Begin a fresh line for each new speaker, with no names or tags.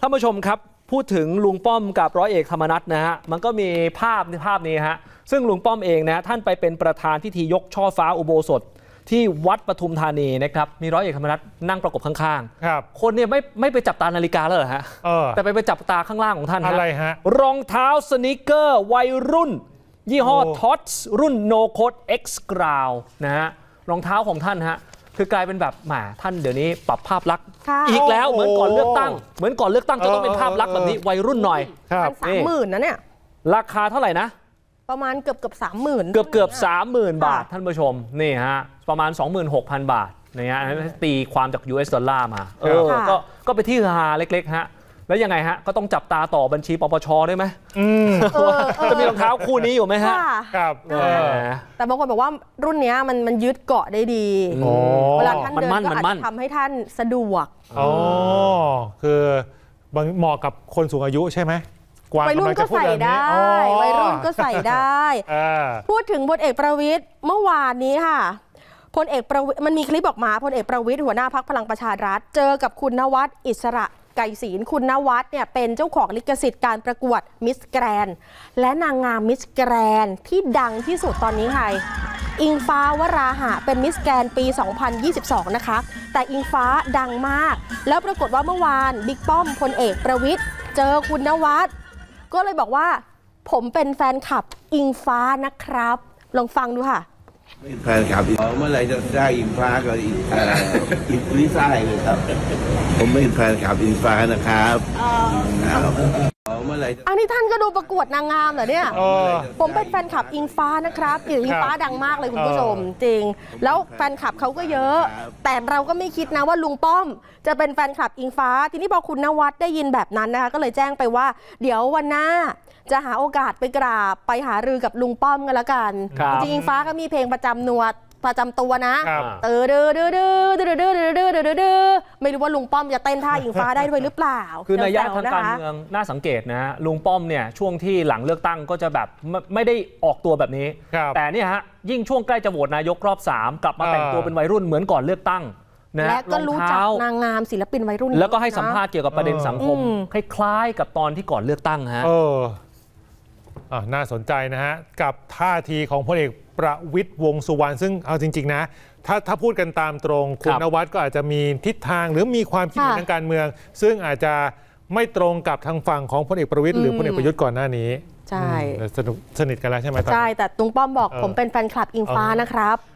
ท่านผู้ชมครับพูดถึงลุงป้อมกับร้อยเอกธรรมนัฐนะฮะมันก็มีภาพนี้ฮะซึ่งลุงป้อมเองนะท่านไปเป็นประธานพิธียกช่อฟ้าอุโบสถที่วัดปทุมธานีนะครับมีร้อยเอกธรรมนัฐนั่งประกบข้างๆคนเนี่ยไม่ไปจับตานาฬิกาแล้วเหรอฮะแต่ไปจับตาข้างล่างของท่านอะไรฮะรองเท้าสนิเกอร์วัยรุ่นยี่ห้อท็อตส์รุ่น No Code X Ground นะฮะรองเท้าของท่านฮะคือกลายเป็นแบบแหมท่านเดี๋ยวนี้ปรับภาพลักษณ์อีกแล้วเหมือนก่อนเลือกตั้งจะต้องเป็นภาพลักษณ์แบบนี้วัยรุ่นหน่อย
มัน30,000นะเนี่ย
ราคาเท่าไหร่นะ
ประมาณเกือบ30,000
เกือบ30,000 บาทท่านผู้ชมนี่ฮะประมาณ 26,000 บาทนะฮะตีความจาก US ดอลลาร์มาก็ไปที่ฮาเล็กๆฮะแล้วยังไงฮะก็ต้องจับตาต่อบัญชีปปชด้วยไหมจะมีรองเท้าคู่นี้อยู่ไหมฮะ
ครับแต่บางคนบอกว่ารุ่นนี้มันยึดเกาะได้ดีเวลาท่านเดินก็อาจจะทำให้ท่านสะดวก
คือเหมาะกับคนสูงอายุใช่ไหม
วัยรุ่นก็ใส่ได้วัยรุ่นก็ใส่ได้พูดถึงพลเอกประวิตรเมื่อวานนี้ค่ะพลเอกประวิตรมันมีคลิปออกมาพลเอกประวิตรหัวหน้าพรรคพลังประชารัฐเจอกับคุณนวัดอิสระไก่ศีลคุณนวัดเนี่ยเป็นเจ้าของลิขสิทธิ์การประกวดมิสแกรนและนางงามมิสแกรนที่ดังที่สุดตอนนี้ใครอิงฟ้าวราหะเป็นมิสแกรนปี 2022 นะคะแต่อิงฟ้าดังมากแล้วปรากฏว่าเมื่อวานบิ๊กป้อมพลเอกประวิตรเจอคุณนวัดก็เลยบอกว่าผมเป็นแฟนคลับอิงฟ้านะครับลองฟังดูค่ะ
เป็นแฟนคลับเมื่อไหร่จะได้อิงฟ้ากับอิงลิซ่าเลยครับผมเป็นแฟนคลับอิงฟ้านะครับ
เมื่อไหร่อันนี้ท่านก็ดูประกวดนางงามเหรอเนี่ยผมเป็นแฟนคลับอิงฟ้านะครับอิงฟ้าดังมากเลยคุณผู้ชมจริงแล้วแฟนคลับเขาก็เยอะแต่เราก็ไม่คิดนะว่าลุงป้อมจะเป็นแฟนคลับอิงฟ้าทีนี้พอคุณนวัดได้ยินแบบนั้นนะคะก็เลยแจ้งไปว่าเดี๋ยววันหน้าจะหาโอกาสไปกราบไปหารือกับลุงป้อมกันละกันจริงอิงฟ้าก็มีเพลงประจำตัวนะไม่รู้ว่าลุงป้อมจะเต้นท่าอิงฟ้าได้ด้วยหรือเปล่า
คือในย่านทางการเมืองน่าสังเกตนะลุงป้อมเนี่ยช่วงที่หลังเลือกตั้งก็จะแบบไม่ได้ออกตัวแบบนี้แต่เนี่ยฮะยิ่งช่วงใกล้จะโหวตนายกรอบ3กลับมาแต่งตัวเป็นวัยรุ่นเหมือนก่อนเลือกตั้ง
และก็รู้จักนางงามศิลปินวัยรุ่น
แล้วก็ให้สัมภาษณ์เกี่ยวกับประเด็นสังคมคล้ายๆกับตอนที่ก่อนเลือกตั้งฮะ
น่าสนใจนะฮะกับท่าทีของพลเอกประวิตรวงษ์สุวรรณซึ่งเอาจริงๆนะถ้าพูดกันตามตรงคุณนวัดก็อาจจะมีทิศทางหรือมีความคิดเห็นทางการเมืองซึ่งอาจจะไม่ตรงกับทางฝั่งของพลเอกประวิตรหรือพลเอกประยุทธ์ก่อนหน้านี้
ใช่
สนิทกันแล้วใช่ไหม
ใช่แต่ลุงป้อมบอกผมเป็นแฟนคลับอิงฟ้านะครับ